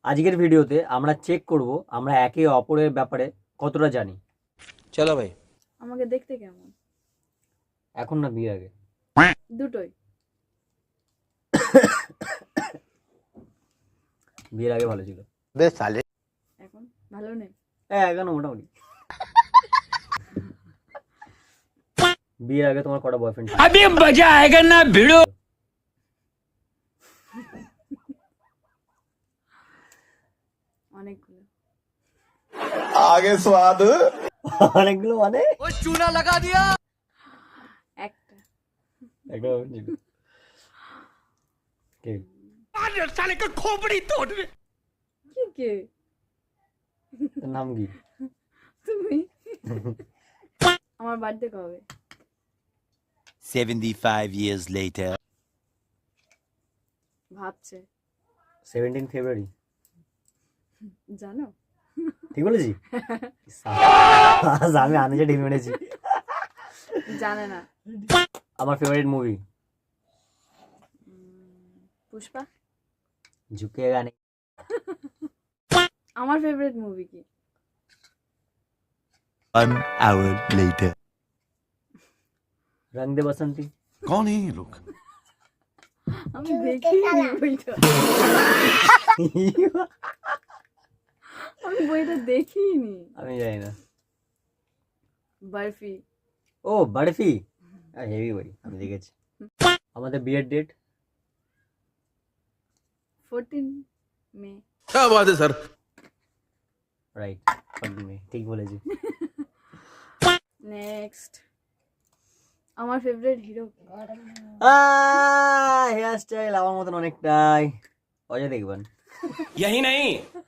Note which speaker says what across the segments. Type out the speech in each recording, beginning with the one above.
Speaker 1: আজকের ভিডিওতে আমরা চেক করব আমরা একে অপরের ব্যাপারে কতটা জানি।
Speaker 2: চলো ভাই।
Speaker 3: আমাকে দেখতে কেমন?
Speaker 1: এখন না বিয়ের আগে?
Speaker 3: দুটোই।
Speaker 1: বিয়ের আগে ভালো ছিল।
Speaker 2: বেশ সালে
Speaker 3: এখন ভালো নেই।
Speaker 1: এখন মোটামুটি। বিয়ের আগে তোমার কটা বয়ফ্রেন্ড ছিল?
Speaker 4: अभी मजा आएगा ना भिड़ो।
Speaker 3: অনেকগুলো।
Speaker 5: आगे स्वाद
Speaker 1: অনেকগুলো মানে
Speaker 4: वो चूना लगा दिया।
Speaker 3: একটা।
Speaker 1: একটা boyfriend ছিল। কে?
Speaker 4: साले का खोपड़ी तोड़ दे।
Speaker 3: কি কে?
Speaker 1: তোর নাম কি?
Speaker 3: তুমি? আমার বার্থডে কবে?
Speaker 6: 75 years later.
Speaker 3: ভাবছে।
Speaker 1: 17 ফেব্রুয়ারি।
Speaker 3: জানো?
Speaker 1: ঠিক বলেছি? আজ আমি আনিজে ডিম এনেছি।
Speaker 3: জানে না।
Speaker 1: আমার ফেভারিট মুভি
Speaker 3: পুষ্পা।
Speaker 1: ঝুঁকেগা নেই।
Speaker 3: আমার ফেভারিট মুভি কি?
Speaker 6: 1 hour later.
Speaker 1: রং দে বসন্তি।
Speaker 5: कौन है ये लोग?
Speaker 3: আমি দেখিনি বইটা। আমি বইটা দেখিনি।
Speaker 1: আমি জানি না।
Speaker 3: বরফি।
Speaker 1: ও বরফি, হেভি বই, আমি দেখেছি। আমাদের বিয়ের ডেট
Speaker 3: 14 মে।
Speaker 5: क्या बात है सर?
Speaker 1: রাইট, 14 মে, ঠিক বলেছি।
Speaker 3: নেক্সট আমার ফেভারিট হিরো।
Speaker 1: হেয়ার স্টাইল আমার মতন অনেকটাই। অজয় দেখবেন।
Speaker 4: यही नहीं,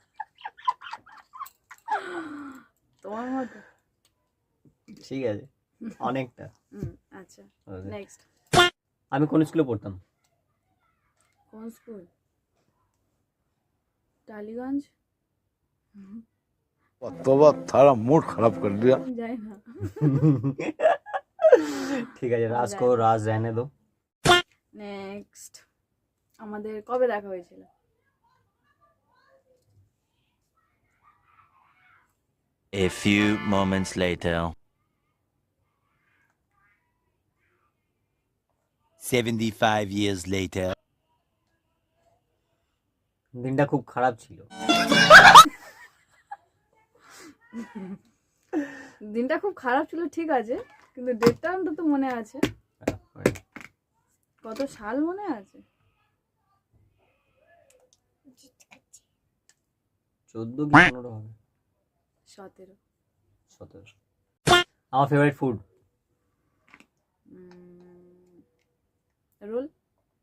Speaker 3: তোমার মতো?
Speaker 1: ঠিক আছে, অনেকটা।
Speaker 3: আচ্ছা
Speaker 1: Okay.
Speaker 3: নেক্সট।
Speaker 1: আমি কোন স্কুলে পড়তাম?
Speaker 3: কোন স্কুল? টালিগঞ্জ।
Speaker 5: तोबा थारा मूड खराब कर दिया।
Speaker 3: আমি যাই না।
Speaker 1: ঠিক আছে, রাজ কো রাজ रहने दो।
Speaker 3: নেক্সট আমাদের কবে দেখা হয়েছিল?
Speaker 6: A few moments later. 75 years later.
Speaker 1: দিনটা খুব খারাপ ছিল।
Speaker 3: দিনটা খুব খারাপ ছিল, ঠিক আছে, কিন্তু ডেটটা অন্তত মনে আছে। কত সাল মনে আছে?
Speaker 1: 14 কি 15 হবে?
Speaker 3: 17।
Speaker 1: 17। আমার favourite food
Speaker 3: roll.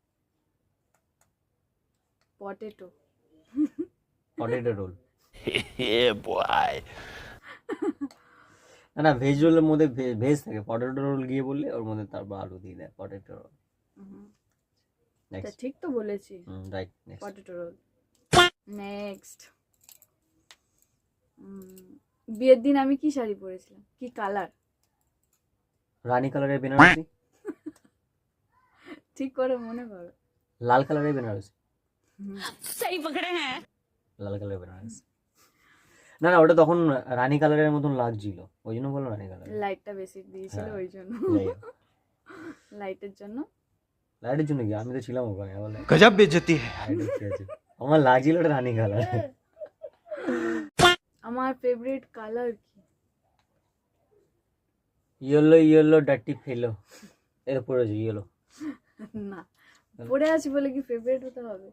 Speaker 3: Potato.
Speaker 1: Potato roll.
Speaker 6: Yeah, boy.
Speaker 1: না না, ভেজ রোলের মধ্যে ভেজ থাকে। পটেটো রোল গিয়ে বললে ওর মধ্যে তারপর আলু দিয়ে দেয়। Potato roll.
Speaker 3: তা
Speaker 1: নেক্সট।
Speaker 3: ঠিক তো বলেছি।
Speaker 1: Right, next.
Speaker 3: Potato roll. Next বিয়ের দিন আমি কি শাড়ি পরেছিলাম? কি কালার?
Speaker 1: রানী কালারের বেনারসি।
Speaker 3: ঠিক করে মনে করো।
Speaker 1: লাল কালারের বেনারসি।
Speaker 4: सही पकड़े हैं।
Speaker 1: লাল কালারের বেনারসি। না না, ওটা তখন রানী কালারের মতন লাগছিল, ওই জন্য বললো রানী কালার।
Speaker 3: লাইটটা বেশি দিয়েছিল ওই জন্য। লাইটের জন্য।
Speaker 1: লাইটের জন্য কি? আমি তো ছিলাম ওখানে। বলে
Speaker 4: गजब बेइज्जती है।
Speaker 1: আমার লাগছিল ওটা রানী কালার।
Speaker 3: আমার ফেভারিট কালার কি?
Speaker 1: Yellow yellow dirty fellow. এটা পড়েছি ইয়েলো।
Speaker 3: না, পড়ে আছি বলে কি ফেভারিট হতে হবে?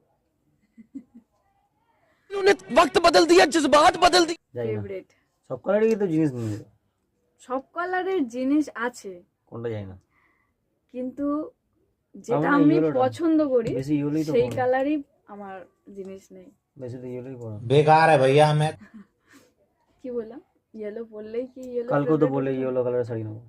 Speaker 4: उन्होंने वक्त बदल दिया, जज्बात बदल दिए।
Speaker 1: যাই না,
Speaker 3: ফেভারিট
Speaker 1: সব কালারেরই তো জিনিস নিয়ে নিল।
Speaker 3: সব কালারের জিনিস আছে,
Speaker 1: কোনটা যাই না।
Speaker 3: কিন্তু যেটা
Speaker 1: আমার
Speaker 3: আমি
Speaker 1: yellow টা।
Speaker 3: পছন্দ করি
Speaker 1: বেশি ইয়েলোই তো
Speaker 3: সেই
Speaker 1: পড়ো।
Speaker 3: কালারই আমার জিনিস নেই।
Speaker 1: বেশি তো ইয়েলোই পড়ো।
Speaker 2: बेकार है भैया मैं।
Speaker 3: কি বললাম? ইয়েলো পরলেই কি ইয়েলো?
Speaker 1: কালকেও তো বলে ইয়েলো কালারের শাড়ি নেবো।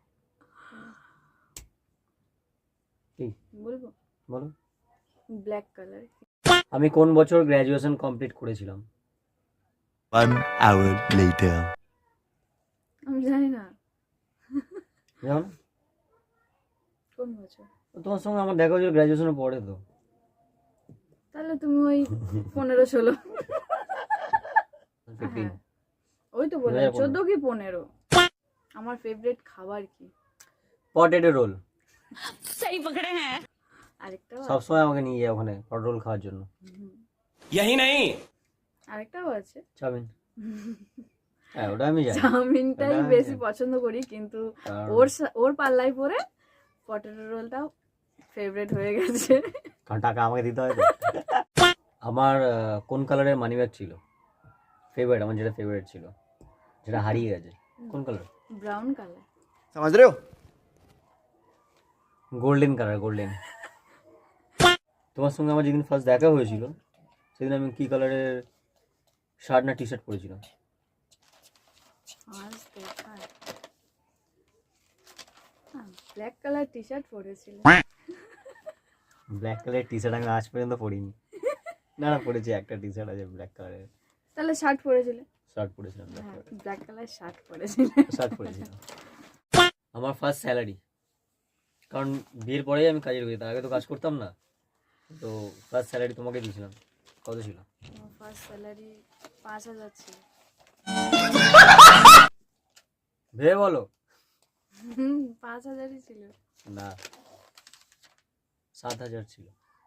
Speaker 1: কি
Speaker 3: বলবো?
Speaker 1: বলো।
Speaker 3: Black colour.
Speaker 1: আমি কোন বছর গ্র্যাজুয়েশন কমপ্লিট করেছিলাম?
Speaker 6: 1 hour later.
Speaker 3: আমি জানি না
Speaker 1: জানো না?
Speaker 3: কোন বছর।
Speaker 1: তোমার সঙ্গে আমার দেখা হয়েছিল গ্র্যাজুয়েশনের পরে তো।
Speaker 3: তাহলে তুমি ওই 15-16
Speaker 1: 15
Speaker 3: হ্যাঁ। ওই তো বললাম
Speaker 1: 2015
Speaker 3: 14 কি 15। আমার ফেভারিট খাবার কি?
Speaker 1: Potato roll.
Speaker 4: सही पकड़े हैं।
Speaker 3: আরেকটাও
Speaker 1: সব সময় আমাকে নিয়ে যায় ওখানে পটেটো রোল খাওয়ার জন্য।
Speaker 4: यही नहीं
Speaker 3: আরেকটাও আছে।
Speaker 1: চাউমিন। হ্যাঁ ওটা আমি জানি।
Speaker 3: চাউমিনটাই
Speaker 1: ওটা-
Speaker 3: বেশি পছন্দ করি, কিন্তু
Speaker 1: কারণ-
Speaker 3: ওর পাল্লায় পরে পটেটো রোলটাও ফেভারিট হয়ে গেছে।
Speaker 1: কারণ টাকা আমাকে দিতে হয় তো। আমার কোন কালারের মানি ব্যাগ ছিল ফেভারিট, আমার যেটা ফেভারিট ছিল, যেটা হারিয়ে গেছে? কোন কালার?
Speaker 3: Brown colour.
Speaker 2: समझ रहे हो?
Speaker 1: Golden colour, golden. তোমার সঙ্গে আমার যেদিন ফার্স্ট দেখা হয়েছিল সেদিন আমি কি কালারের শার্ট না টি শার্ট পরেছিলাম?
Speaker 3: আজ দেখা ব্ল্যাক কালার টি শার্ট পরেছিল।
Speaker 1: ব্ল্যাক কালারের টি শার্ট আমি আজ পর্যন্ত পরিনি। না না পরেছি, একটা টি শার্ট আছে ব্ল্যাক কালারের।
Speaker 3: তাহলে শার্ট পরেছিল?
Speaker 1: শার্ট পরেছিলাম,
Speaker 3: হ্যাঁ, ব্ল্যাক কালার শার্ট পরেছিল।
Speaker 1: শার্ট পরেছিলাম। আমার ফার্স্ট স্যালারি, কারণ বিয়ের পরেই আমি কাজে ঢুকেছি, তার আগে তো কাজ করতাম না। তো ফার্স্ট স্যালারি তোমাকে দিয়েছিলাম। কত ছিল?
Speaker 3: আমার ফার্স্ট স্যালারি 5000 ছিল।
Speaker 1: ভেবে বলো।
Speaker 3: 5000ই ছিল।
Speaker 1: না, 7000 ছিল।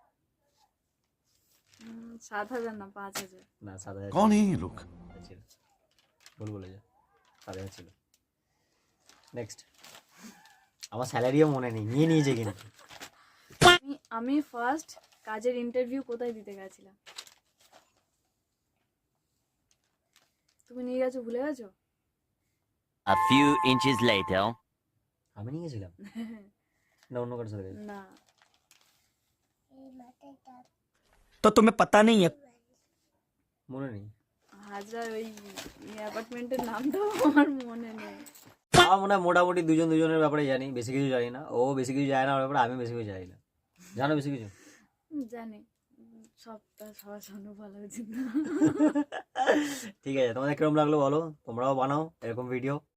Speaker 3: 7000 না 5000।
Speaker 5: ना 7000 कौन है ये लोग?
Speaker 1: ছিল। ভুল বলে যা, 7000 ছিল। নেক্সট। আমার স্যালারিও মনে নেই, নিয়ে নিয়েছে কিন্তু।
Speaker 3: আমি ফার্স্ট কাজের ইন্টারভিউ কোথায় দিতে গেছিলাম? তুমি নিয়ে গেছো, ভুলে গেছো?
Speaker 6: A few inches later.
Speaker 1: আমি নিয়ে গেছিলাম না অন্য কারোর সাথে গেছি?
Speaker 3: না,
Speaker 4: तो तुम्हें पता नहीं है।
Speaker 1: মনে নেই।
Speaker 3: হাজার ওই অ্যাপার্টমেন্টের নাম তো আমার মনে নেই।
Speaker 1: আমার মনে হয় মোটামুটি দুজন দুজনের ব্যাপারে জানি, বেশি কিছু জানি না। ও বেশি কিছু জানে না আমার ব্যাপারে, আমি বেশি কিছু জানি না। জানো বেশি কিছু?
Speaker 3: জানি, সবটা সবার সামনে বলা উচিত না।
Speaker 1: ঠিক আছে, তোমাদের কিরকম লাগলো বলো, তোমরাও বানাও এরকম ভিডিও।